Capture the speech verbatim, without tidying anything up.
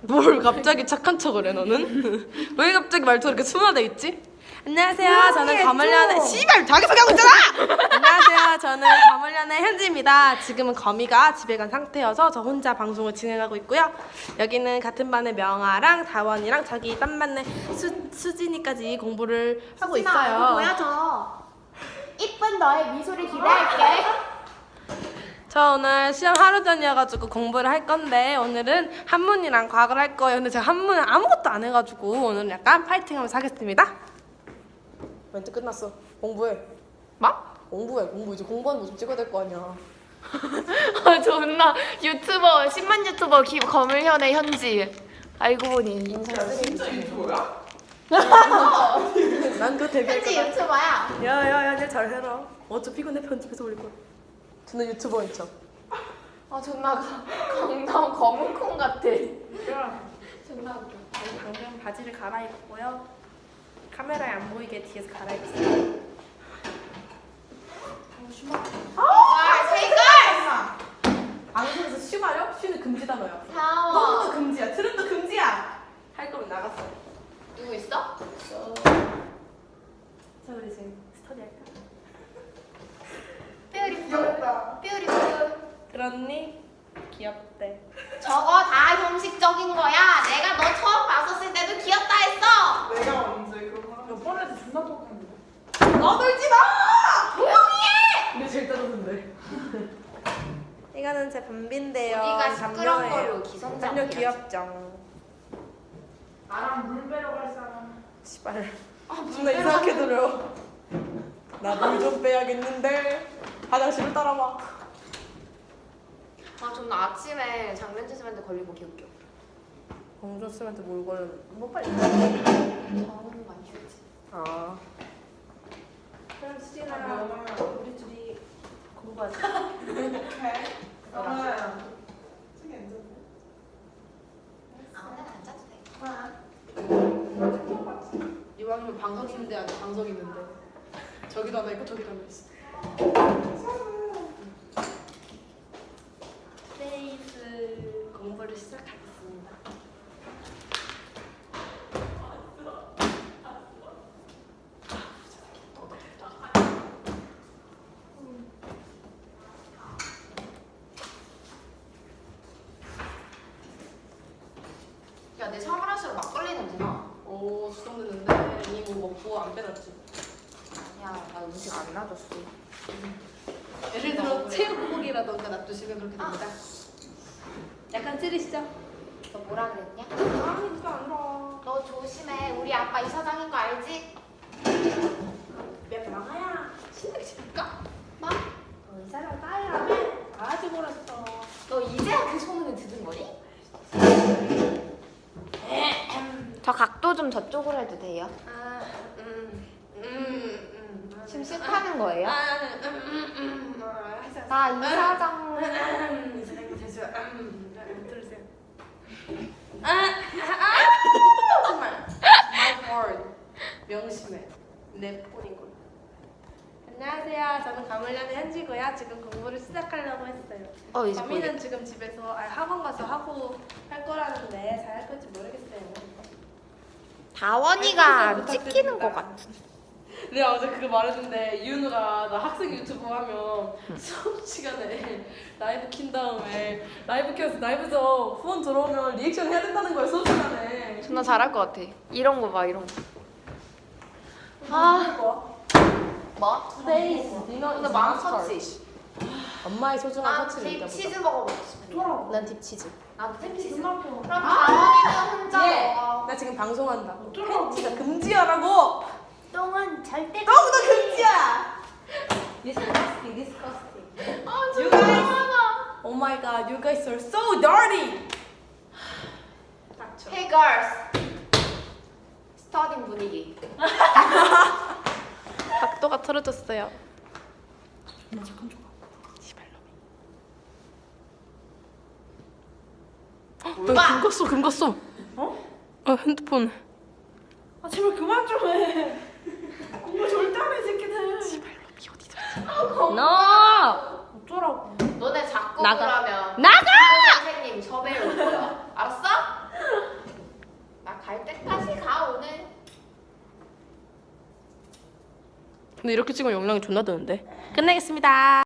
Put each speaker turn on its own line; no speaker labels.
뭘 갑자기 착한 척을 해 너는? 왜 갑자기 말투가 이렇게 순화돼 있지? 안녕하세요. 저는 가물련의 씨발 자기 소개하고 있잖아. 안녕하세요. 저는 가물련의 현지입니다. 지금은 거미가 집에 간 상태여서 저 혼자 방송을 진행하고 있고요. 여기는 같은 반의 명아랑 다원이랑 저기 딴 반의 수, 수진이까지 공부를 하고 있어요.
보여줘. 이쁜 너의 미소를 기대할게.
저 오늘 시험 하루 전이어가지고 공부를 할 건데 오늘은 한문이랑 과학을 할 거예요. 근데 제가 한문은 아무것도 안 해가지고 오늘은 약간 파이팅하면서 하겠습니다. 멘트 끝났어. 공부해.
뭐?
공부해. 공부 이제 공부하는 모습 찍어야 될 거 아니야.
아 존나 유튜버 십만 유튜버 기, 거물현의 현지. 알고 보니
진짜 유튜버야?
난 그거 데뷔할
현지
거다.
유튜버야.
야야야, 내 잘해라. 어차피 이건 내 편집해서 올릴 거야. 저는 유튜버인 척.
아 존나 가- 강남 검은콩 같아. 존나 웃겨.
그러면 바지를 갈아입고요. 카메라에 안 보이게 뒤에서 갈아입었어요.
아, 세이걸.
방송에서 쉬 말려? 쉬는 금지 단어야.
다워.
너도 금지야. 트름도 금지야. 할 거면 나갔어.
누구 있어?
자, 우리 이제 스터디 할까?
뷰티풀. 뷰티풀.
그렇니? 귀엽대.
저거 다 형식적인 거야. 내가 너 처음 봤었을 때도 귀엽다 했어.
내가 언제 그런 거 하면
뻔해서 존나 똑같은데. 너놀지 마!
조용히 해.
근데 제일 따뜻한데. 이거는 제 밤비인데요.
우리가 시끄러운 기성장.
담요 귀엽죠?
나랑 물 빼러 갈 사람.
씨발. 아, 존나 이상하게 들어. 나 물 좀 빼야겠는데. 화장실을 따라와.
아 존나 아침에 장면지심한테 걸리고 개웃겨.
공줬으면 뭘 걸려? 뭐 빨리.
저는 많이 휴지.
아. 그럼 수진아, 우리 둘이 공부하자.
오케이. 그러면 저기 앉았네.
아무데나 앉아도 돼.
이왕이면 방석 있는데 아니 방석 있는데. 저기도 하나 있고 저기도 하나 있어. 스페이스 공부를 시작하겠습니다.
야 내 샤브라시로 막걸리 냄새 나.
오, 수정됐는데 이미 뭐 먹고 안 빼놨지.
아니야 나 음식 안 놔줬어.
예를 들어 체육복이라던가 놔두시면 그렇게 됩니다. 약간 찌르시죠?
너 뭐라 그랬냐?
아니 그거 안 나.
너 조심해. 우리 아빠 이사장인 거 알지?
야 나가야 신나게 칠까?
뭐?
너 이 사람 따위라며 아주 몰랐어.
너 이제야 그 소문을 듣은 거니? 저 각도 좀 저쪽으로 해도 돼요?
아, 음, 음, 음.
지금 싫다는 거예요?
아, 음, 음, 음. 어, 하자.
나 이사장.
음, 이사장님 되죠. 음, 음, 들으세요. 아, 아, 정말. My word. 명심해. 내 폰인 걸. 안녕하세요. 저는 가물련의 현지고요. 지금 공부를 시작하려고 했어요.
어 이제
범이는
보이겠다.
지금 집에서 아, 학원 가서 하고 할 거라는데 잘 할 건지 모르겠어요.
다원이가 안 찍히는 거 같아.
내가 어제 그거 말했는데 이윤우가 나 학생 유튜브 하면 수업 시간에 라이브 킨 다음에 라이브 켜서 라이브에서 후원 들어오면 리액션 해야 된다는 거야 수업 시간에.
존나 잘할 것 같아. 이런 거 봐 이런 거. 아 뭐?
Today's dinner
근데
is
마음
mustard.
터치.
엄마의 소중한
난
터치를
딥
느껴보자.
치즈 먹어보고 싶어.
난 딥치즈.
나도 딥 치즈.
존나
그럼
펴.
다원이는 혼자
예.
먹어.
나 지금 방송한다.
어쩌라고.
팬티가 금지야라고.
똥은 절대.
너무나 금지야. Disgusting, disgusting.
아
You
진짜
guys.
많아.
Oh my god, you guys are so dirty. 닥쳐.
Hey girls. 스터딩 분위기.
각도가 틀어졌어요. 나 잠깐 좀. 씨발놈이. 야, 금 갔어, 금 갔어.
어?
아, 핸드폰.
아 제발 그만 좀 해. 공부 절대 안 해 새끼들.
씨발놈이 어디 들었어? 너.
어쩌라고.
너네 자꾸
나가.
그러면
나가!
선생님 섭외 올 거야. 알았어? 갈 때까지 가 오늘.
근데 이렇게 찍으면 용량이 존나 드는데. 끝내겠습니다.